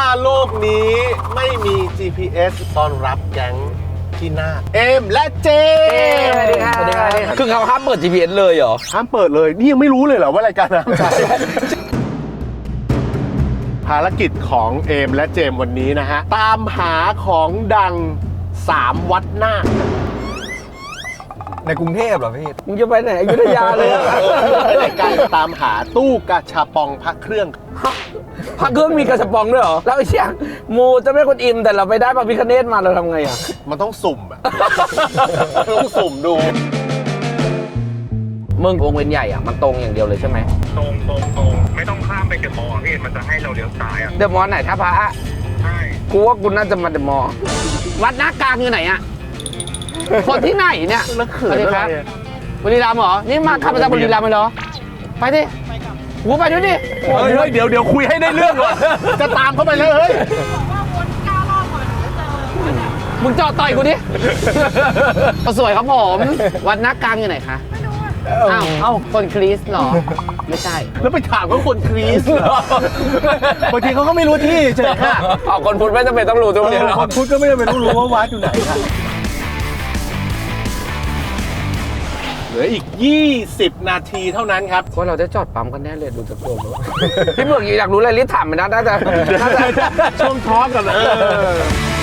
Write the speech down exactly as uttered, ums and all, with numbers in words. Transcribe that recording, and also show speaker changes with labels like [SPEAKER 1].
[SPEAKER 1] โลกนี้ไม่มี จี พี เอส ต้อนรับแก๊งที่หน้าเอมและเจม
[SPEAKER 2] สวัสดีครับสวัสดีครับคือเขาห้ามเปิด จี พี เอส เลยเหรอ
[SPEAKER 1] ห้ามเปิดเลยนี่ยังไม่รู้เลยเหรอว่ารายการน้ำใจภารกิจของเอมและเจมวันนี้นะฮะตามหาของดังสามวัดหน้า
[SPEAKER 3] ในกรุงเทพเหรอพี่
[SPEAKER 2] มึงจะไปไหนอยุธยาเลย
[SPEAKER 1] ในการตามหาตู้กาชาปองพระเครื่อง
[SPEAKER 2] พระเครื่องมีกระสปองด้วยเหรอแล้วไอ้เชี่ยมูจะไม่คนอิมแต่เราไปได้พระพิฆเนศมาเราทำไงอ่ะ
[SPEAKER 1] มันต้องสุ่มอะต้องสุ่มดู
[SPEAKER 2] มึงวงเวียนใหญ่อ่ะมันตรงอย่างเดียวเลยใช่ไหม
[SPEAKER 4] ตรงตรงตรงไม่ต้องข้ามไปเดอะมอลล์พี่มันจะให้เราเลี้ยวซ้ายอ่ะ
[SPEAKER 2] เดอะมอลล์ไหนท่าพระ
[SPEAKER 4] ใช่
[SPEAKER 2] กูว่ากูน่าจะมาเดอะมอลล์วัดหน้ากลางอยู่ไหนอ่ะคนที่ไหนเนี่ย
[SPEAKER 1] แล้วเขินอะไร
[SPEAKER 2] บุรีรัมย์เหรอนี่มาขับมาจากบุรีรัมย์เลยเหรอไปดิกูไปด้วยดิ
[SPEAKER 1] เฮ้ยเดี๋ยวเดี๋ยวคุยให้ได้เรื่องก่อนจะตามเข้าไปเลยเฮ้ย
[SPEAKER 2] มึงจอดต่อยกูดิสวยครับผมวัดหน้ากลางอยู่ไหนคะอ้าวเอ้าคนคริสต์หรอไม่ใช่
[SPEAKER 1] แล้วไปถามว่าคนคริสต์เหรอบางทีเขาก็ไม่รู้ที่เฉยค่ะ
[SPEAKER 2] อ๋อคนพุทธไม่จำเป็นต้องรู้ทุกเรื่อง
[SPEAKER 1] คนพุทธก็ไม่จำเป็นต้องรู้ว่าวัดอยู่ไหนค่ะเหลืออีกยี่สิบนาทีเท่านั้นครับ
[SPEAKER 2] ว่าเราได้จอดปั๊มกันแน่เลยดูจากตัวพี่เบิร์กอยากรู้อะไรรีบถามมันนะน่าจะ
[SPEAKER 1] ช่วงทอล์กกันเลย